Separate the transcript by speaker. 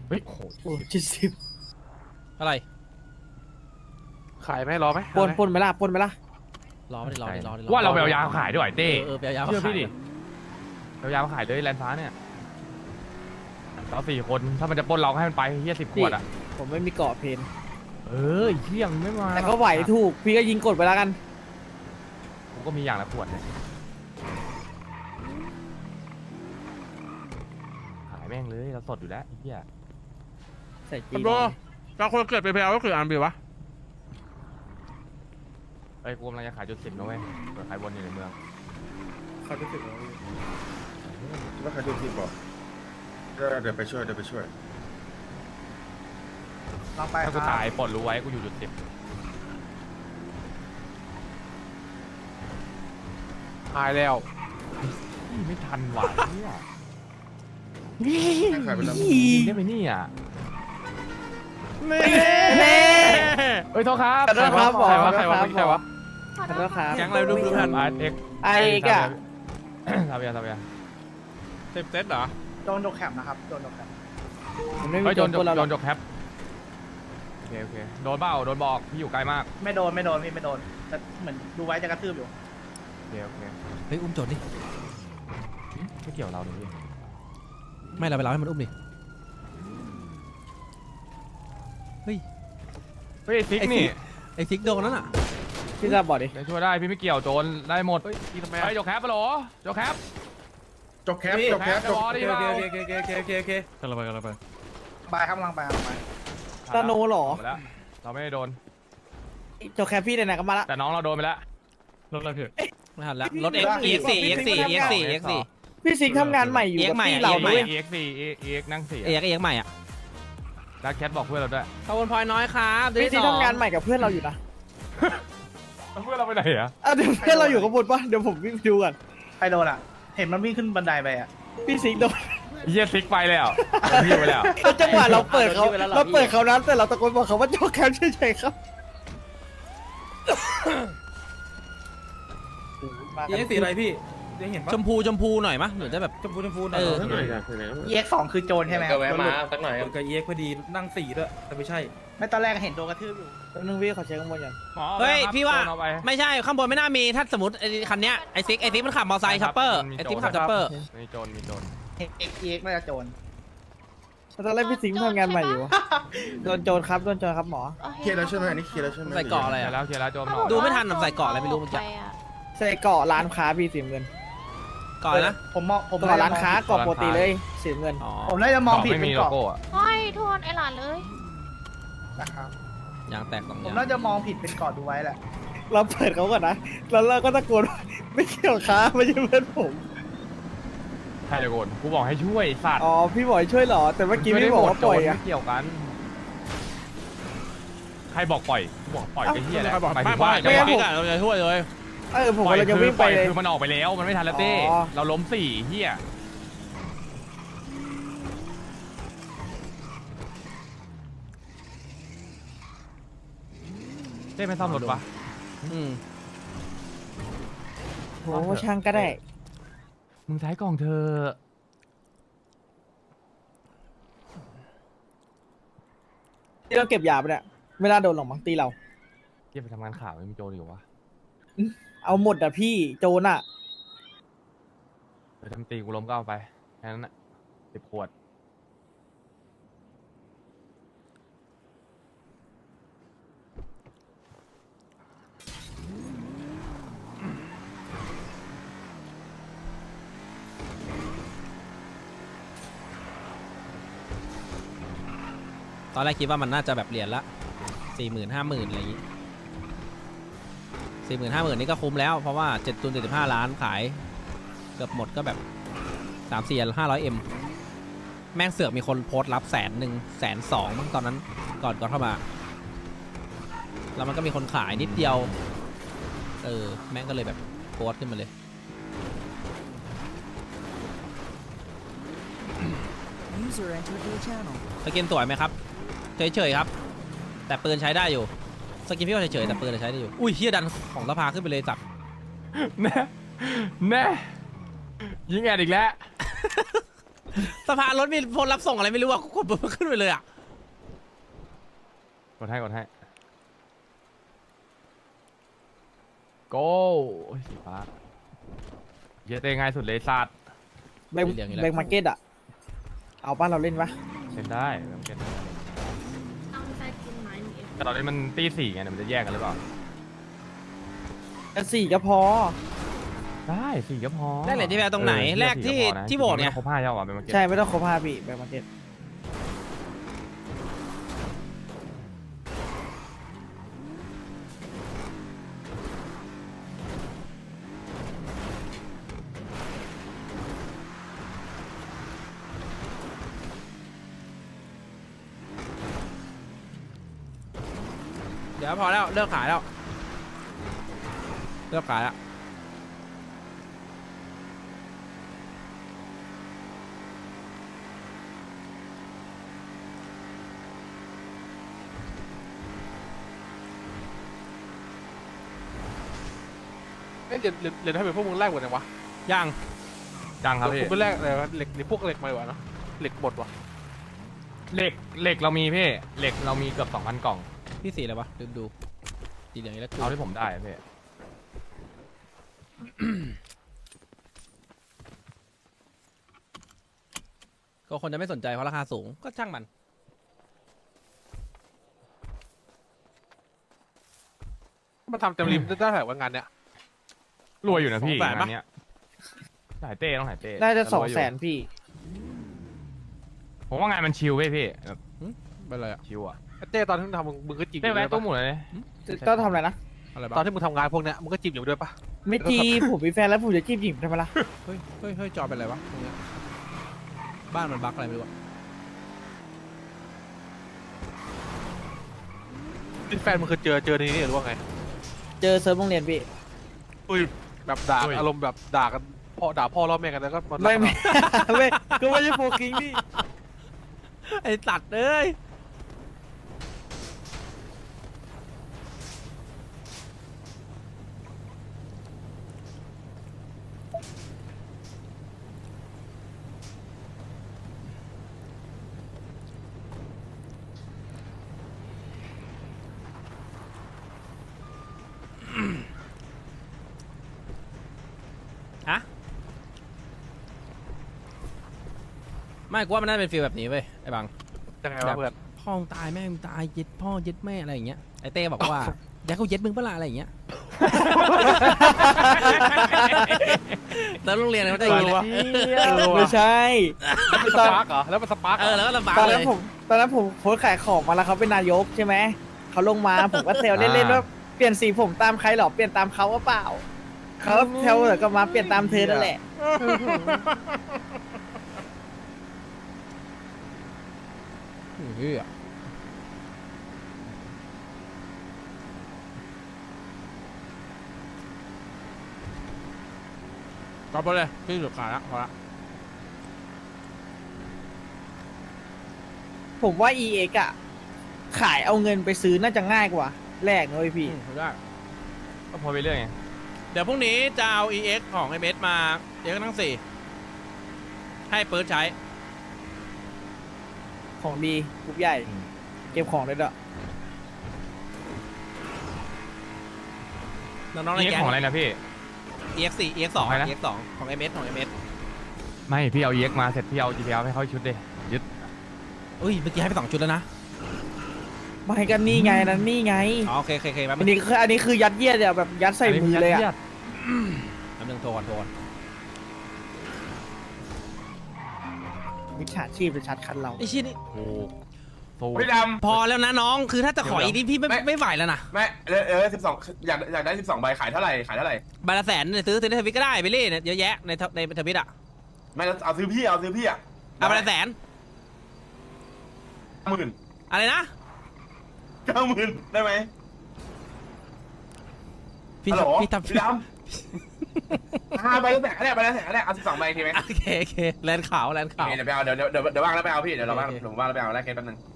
Speaker 1: เฮ้ยโอ้โห
Speaker 2: โอ้70
Speaker 3: อะไร
Speaker 1: ขายไหมรอไหม
Speaker 2: ปนไหมล่ะปนไหมล่ะ
Speaker 3: รอไม่ได้รอไม่ได้รอไม่ได้
Speaker 1: ว่าเราไปเอายาขายด้วยเต้
Speaker 3: ไปเอายา
Speaker 1: เชื่อพี่ดิเอายาขายเลยแลนฟ้าเนี่ยเรา4 คนถ้ามันจะปล้นเราให้มันไปเฮีย10 ขวดอ่ะ
Speaker 2: ผมไม่มีเกาะเพน
Speaker 1: เที่ยงไม่มา
Speaker 2: แต่ก็ไหวถูกพี่ก็ยิงกดไปแล้วกัน
Speaker 1: ผมก็มีอย่างละขวดเนี่ยขายแม่งเลยเราสดอยู่แล้วไอ้เหี้ย
Speaker 2: ใส่จี
Speaker 4: โบเราคนเกิดไปแพลวก็คืออันบีวะ
Speaker 1: เอ้ยกูกำลังจะขายจุด10นะเว้ยเปิดขายวนอยู่ในเมือง
Speaker 5: เขาจะถึงแล้วแล้วใครดูทีบอกเดี๋ยวไปช่วย
Speaker 6: ลองไป
Speaker 1: ถ้ากูตายปลดรู้ไว้กูอยู่จุด10ตายแล้วไม่ทันว่ะเนี่ย
Speaker 5: ขายไปแล้ว
Speaker 1: ได้ไปนี่อ่ะ
Speaker 2: เน่
Speaker 1: เฮ้ยโทษครับ
Speaker 2: ขอโทษครับ
Speaker 1: ใครวะ
Speaker 2: ขอโทษครับ
Speaker 1: ใครวะ
Speaker 2: ขอโทษครับ
Speaker 4: แก๊งอะไรดูดูทัน
Speaker 1: เอ็ก
Speaker 2: ไอ้กะ
Speaker 1: ทำยัง
Speaker 4: เซฟเซตเหรอ
Speaker 6: โดนดกแคมนะครับโดนดกแคม
Speaker 2: ผมไม่มี
Speaker 1: เฮ้ย
Speaker 2: โจ
Speaker 1: โด
Speaker 2: ร
Speaker 1: น
Speaker 2: ปนเราหรอก
Speaker 1: จกแคปโอเคโดนเบ้าโดนบอกพี่อยู่ไกลมาก
Speaker 6: ไม่โดนพี่ไม่โดนแต่เหมือนดูไว้จะกระทืบอยู่
Speaker 1: โอเค
Speaker 3: เฮ้ยอุ้มโจรดิ
Speaker 1: ไม่เกี่ยวเราเลยพี่
Speaker 3: ไม่เราไปเราให้มันอุ้มดิเฮ้ย
Speaker 1: เฮ้ยซิกนี่
Speaker 3: ไอ้ซิกโดนนั่นอ่ะ
Speaker 2: พี่จะบอกดิ
Speaker 1: ช่วยได้พี่ไม่เกี่ยวโจรได้หมด
Speaker 4: พี่ทำไม
Speaker 1: ไปจกแคปปะโหลจกแคป
Speaker 5: จบแคปจบแคป
Speaker 1: จะรอดีเปล่า
Speaker 4: โอเคกันละไป
Speaker 6: ไปครับกำลังไป
Speaker 2: ตาโนเหรอ
Speaker 1: แล้วเราไม่ได้โดน
Speaker 2: โจแคปพี่ไหนๆก็มาละ
Speaker 1: แต่น้องเราโดนไปแล้ว
Speaker 4: รถอะไรพี่
Speaker 3: ไม่ทันแล้วรถ EX4
Speaker 2: พี่ซิงทำงานใหม่อยู่กับพี่เรา
Speaker 1: ใหม่
Speaker 2: ด้วย
Speaker 1: EX นั่ง4
Speaker 3: เอ็กใหม่อ่ะ
Speaker 1: แล้วแคทบอกเพื่อนเราด้วย
Speaker 3: ขอบคุณพลอยน้อยครับ
Speaker 2: พี่ซิงทำงานใหม่กับเพื่อนเราอยู่นะ
Speaker 1: เพื่อนเราไปไหนอะ
Speaker 2: เดี๋ยวเพื่อนเราอยู่ข้างบนปะเดี๋ยวผมวิ่งไปดูก่อน
Speaker 6: ใครโดนอ่ะ เห็นมันวิ่งขึ้นบันไดไปอ่ะ
Speaker 2: พี่ซิงโดน
Speaker 1: เฮียซิกไปแล้วพี่ไปแล้ว
Speaker 2: แล้วจังหวะเราเปิดเขานั้นแต่เราตะโกนบอกเขาว่าโจแคปเฉยๆครับ
Speaker 4: ยังสีอะไรพี่ได้เห็นปะ
Speaker 3: ชมพูหน่อยมะเหมือนจะแบบ
Speaker 4: ชมพู
Speaker 3: เออ
Speaker 6: EX2 คือโจรใช่ไหม
Speaker 7: ก็แวะมาสักหน่อย
Speaker 4: กับเอ็กพอดีนั่งสีด้วยแต่ไม่ใช่
Speaker 6: ไม่ตอนแรกเห็นโดนกระทืบอยู่
Speaker 2: แป๊บนึงพี่ขอเช็คข้างบนก่อน
Speaker 3: เฮ้ยพี่ว่า
Speaker 1: เอไป
Speaker 3: ไม่ใช่ข้างบนไม่น่ามีถ้าสมมติไอ้คันเนี้ยไอ้ซิกมันขับมอเตอร์ไซค์ชัปเปอร์ไอ้ซิกมันขับชัปเปอร์
Speaker 1: มีโจร
Speaker 6: EX น่าจะโจร
Speaker 2: ตอนแรกพี่ซิงทำงานใหม่อยู่โดนโจรครับหมอ
Speaker 5: เคลียร์แล้วใช่ไหมอันนี้เคลียร์แล้วใช่ไหม
Speaker 3: ใส่เกาะอะไร
Speaker 1: เขียน
Speaker 3: อ่ะ
Speaker 1: แล้วเขียนแล้วโจร
Speaker 3: ดูไม่ทันใส่เกาะอะไรไม่รู้เมื่อกี้
Speaker 2: ใส่เกาะร้านค้าพี่สีเงิน
Speaker 3: เกาะอะไรนะ
Speaker 6: ผมมองผม
Speaker 2: เกาะร้านค้าเกาะปกติเลยสีเงิน
Speaker 3: อ๋อ
Speaker 6: ผมน่าจะมองผิด
Speaker 1: ไม่
Speaker 6: เป็
Speaker 1: มี
Speaker 6: น
Speaker 1: โล
Speaker 6: เกาะ
Speaker 1: โก้อะ
Speaker 8: โอ้ยโทษไอ้หลานเลย
Speaker 6: นะครับ
Speaker 3: ยางแตกสอง
Speaker 6: ผม
Speaker 3: ยาง
Speaker 6: น่าจะมองผิดเป็นเกาะดูไว้แหละ
Speaker 2: เราเปิดเขาก่อนนะแล้วเราก็ตะโกนว่าไม่เกี่ยวค้าไม่ใช่เพื่อนผม
Speaker 1: ใช่เลยโกนกูบอกให้ช่วยสัตว์
Speaker 2: อ๋อพี่บอยช่วยเหรอแต่เมื่อกี้พี่บอกว่าปล่อยอะ
Speaker 1: ไม่เกี่ยวกันใครบอกปล่อยกูบอกปล่อยไอ้เหี้ยแหละ
Speaker 4: ใครบอก
Speaker 1: หมายถึง
Speaker 4: ไม่
Speaker 1: ว่า
Speaker 4: ไม่
Speaker 3: จังหวะนี้เราจะช่วยเลย
Speaker 2: ผม
Speaker 1: ปล่อย
Speaker 2: กำลังจะวิ่งไปเลย
Speaker 1: คือมันออกไปแล้วมันไม่ทันแล้วเต้
Speaker 2: อ๋อ
Speaker 1: เราล้ม4เหี้ยเต้ไม่ซ่อมรถวะ
Speaker 3: อืม
Speaker 2: โหช่างก็ได้
Speaker 1: มึงใช้กล่องเธอ
Speaker 2: ที่เราเก็บยาไปเนี่ยไม่น่าโดนหรอกมั้งตีเรา
Speaker 1: เหี้ยไปทำงานข่าวไม่มีโจรอยู่วะ
Speaker 2: เอาหมดอะพี่โจรอะ
Speaker 1: ไปทำตีกูล้มก็เอาไปแค่นั้นน่ะ10 ขวด
Speaker 3: ตอนแรกคิดว่ามันน่าจะแบบเหรียญละ40,000-50,000อะไรอย่างงี้40,000-50,000นี่ก็คุ้มแล้วเพราะว่า7 ตุน 75 ล้านขายเกือบหมดก็แบบ300-400-500M แม่งเสือกมีคนโพสต์รับ100,000 120,000มั้งตอนนั้นก่อนเข้ามาแล้วมันก็มีคนขายนิดเดียวแม่งก็เลยแบบโพสต์ขึ้นมาเลย สกินสวยไหมครับเฉยๆครับแต่ปืนใช้ได้อยู่สกินพี่ว่าเฉยๆแต่ปืนใช้ได้อยู่อุ้ยเฮียดันของสภาขึ้นไปเลยจับ
Speaker 1: แน่ยิงแอดอีกแล้ว
Speaker 3: สะพานรถมีคนรับส่งอะไรไม่รู้อ่ะกดปุ๊บขึ้นไปเลยอ่ะ
Speaker 1: กดให้โก้สีฟ้าเยอะได้ง่ายสุดเลยสัตว์
Speaker 2: แบงค์มาร์เก็ตอ่ะเอาป้าเราเล่นปะ
Speaker 1: เล่นได้แบงค์มาร์เก็ต
Speaker 7: เอาใจกินไม้นี่เอง
Speaker 1: แต่ตอนนี้มันตีสี่ไงเดี๋ยวมันจะแยกกันหรือเปล่า
Speaker 2: แต่สี่ก็พอ
Speaker 1: ได้สี่ก็พอ
Speaker 3: ได้เหรียญที่แพ้ตรงไหนแรกที่ที่โบสถ์ไง
Speaker 1: ครบห้าเจ้าอ่ะเป็นมาเก็ต
Speaker 2: ใช่ไม่ต้องครบ5ปีแบงค์มาร์เก็ต
Speaker 3: เดี๋ยวพอแล้วเลิกขายแล้วเลิกขายแล้ว
Speaker 8: เดี๋ยวถ้าเป็นพวกมึงแรกหมดเลยวะ
Speaker 3: ยัง
Speaker 1: จังครับพี่
Speaker 8: กูเป็นแรกอะไรวะเหล็กหรือพวกเหล็กมาดีกว่าเนาะเหล็กหมดวะ
Speaker 1: เหล็กเรามีพี่เหล็กเรามีเกือบ 2,000 กล่อง
Speaker 3: พี่สีอะไรวะลืมดูสีเหลืองนี่แล้ว
Speaker 1: เอาที่ผมได้พี่
Speaker 3: ก็คนจะไม่สนใจเพราะราคาสูงก็ช่างมัน
Speaker 8: มันทำเต็มริมได้เท่าไหร่วะงานเนี้ย
Speaker 1: รวยอยู่นะพี่
Speaker 8: 200,000
Speaker 1: งานเนี้ยหายเต้ต้องหายเต้
Speaker 2: น่าจะ
Speaker 1: รวยอยู่
Speaker 2: 200,000พี่
Speaker 1: ผมว่างานมันชิลเว้ยพี่แบบ
Speaker 8: เป็นไรอ่ะ
Speaker 1: ชิลอ่ะ
Speaker 8: ไอ้เต้ตอนที่มึงทำมึงก็จีบอ
Speaker 1: เต้
Speaker 8: ยู่
Speaker 1: แวะ
Speaker 8: ด้วย
Speaker 1: ตู้
Speaker 8: ปะ
Speaker 1: หมุนเลย
Speaker 2: ต้องทำอะไรนะ
Speaker 3: อะไร
Speaker 8: ตอ
Speaker 3: บ้าน ง
Speaker 8: ที่มึงทำงานพวกเนี้ยมึงก็จีบอยู่ด้วยปะ
Speaker 2: ไม่จีผมมีแฟนแล้วผมจะจีบหญิงทำไมล่ะ
Speaker 3: เฮ้ยเฮ้ยเฮ้ยจอเป็นอะไรวะตรงเนี้ยบ้านมันบั๊กอะไรไม่รู้อะ
Speaker 8: แฟนมึงเคยเจอในนี้หรือว่าไง
Speaker 2: เจอเซิร์ฟโรงเรียนพี่
Speaker 8: อุ้ยแบบด่าอารมณ์แบบด่ากันด่าพ่อล่อแม่กันแล้วก็มา
Speaker 2: ไม่ไม่ก็ไม่ใช่โฟกิงพี่
Speaker 3: ไอ้ตัดเอ้ยฮะไม่กูว่ามันน่าจะเป็นฟีลแบบนี้เว้ยไอ้บัง
Speaker 8: ยังไงวะเพื่อน
Speaker 3: พ่อมึงตายแม่มึงตายเย็ดพ่อเย็ดแม่อะไรอย่างเงี้ยไอเต้บอกว่า อยากเขาเย็ดมึงเปะล่าอะไรอย่างเงี้ยแล้วโรงเรียนเขาจะอย่างงี้
Speaker 2: ไม่ใช่
Speaker 8: แล้วมันสปาร์กเหรอแล้วมันสปาร์ก
Speaker 3: เออแล้วก็ลำบาก
Speaker 2: ตอน
Speaker 3: เล
Speaker 2: นั้น
Speaker 3: ย
Speaker 2: ผมโพสต์ขายของมาแล้วเขาเป็นนายกใช่ไหมเขาลงมาผมก็เซลเล่นๆว่าเปลี่ยนสีผมตามใครหรอเปลี่ยนตามเขาว่าเปล่าเขาแถวก็มาเปลี่ยนตามเธอนั่นแหละ
Speaker 3: เฮ้ยกลับไปเลยพี่หลุดขายละพอละ
Speaker 2: ผมว่า EX อ่ะขายเอาเงินไปซื้อน่าจะง่ายกว่าแลกนะเว้ยพี่
Speaker 3: ได้
Speaker 1: ก็พอไปเรื่อยไง
Speaker 3: เดี๋ยวพรุ่งนี้จะเอา EX ของ MS มาเดี๋ยวทั้ง4ให้เปิดใช้
Speaker 2: ของดีกรุ๊ปใหญ่ เก็บของได้ด้วย
Speaker 3: น้องๆใน
Speaker 1: นี่
Speaker 3: แก๊ง
Speaker 1: ของอะไรนะพี่
Speaker 3: EX 4 EX 2
Speaker 1: ของอะไรนะ
Speaker 3: EX 2ของ MS ของ MS
Speaker 1: ไม่พี่เอาเย็กมาเสร็จพี่เอา GPL ให้เขาชุดดิยึด
Speaker 3: เอ้ยเมื่อกี้ให้ไป2ชุดแล้วนะ
Speaker 2: ไม่กันนี่ไงนั่นนี่ไง
Speaker 3: อ๋อโอเคโอเคแป๊บ
Speaker 2: อัน
Speaker 3: นึง
Speaker 2: นี้คือยัดเยียดอะแบบยัดใส่มือเลยอะ
Speaker 3: แป๊บนึงโทรก่อน
Speaker 2: มิจฉาชีพจะชัดคันเรา
Speaker 3: ไอ้ชี้นี่
Speaker 1: โอ้โห
Speaker 5: พี่ด
Speaker 3: พอแล้วนะน้องคือถ้าจะขออีกนี่พี่ไม่ไหวแล้วนะ
Speaker 5: ำไม่12อยากได้12ใบขายเท่าไหร่ขายเท่าไหร่
Speaker 3: ใบละ100,000เนี่ยซื้อในทวิตก็ได้ไปเล่เนี่ยเยอะแยะในทวิตอ่ะ
Speaker 5: ไม่เอาซื้อพี่อ่ะ
Speaker 3: เอาใบละ100,000
Speaker 5: 90,000
Speaker 3: อะไรนะ
Speaker 5: 90,000ได้ไหม
Speaker 3: พี่
Speaker 5: ฮัลโหล
Speaker 3: พี่ทำ
Speaker 5: พี่ดำใบละแสนก็ได้เอา12ใบทีไหม
Speaker 3: โอเคแลนด์ขาว
Speaker 5: โอเคเดี๋ยวไปเอาเดี๋ยวว่างแล้วไปเอาพี่เดี๋ยวเราว่างผมว่างแล้วไปเอาแลกเคสแป๊บนึง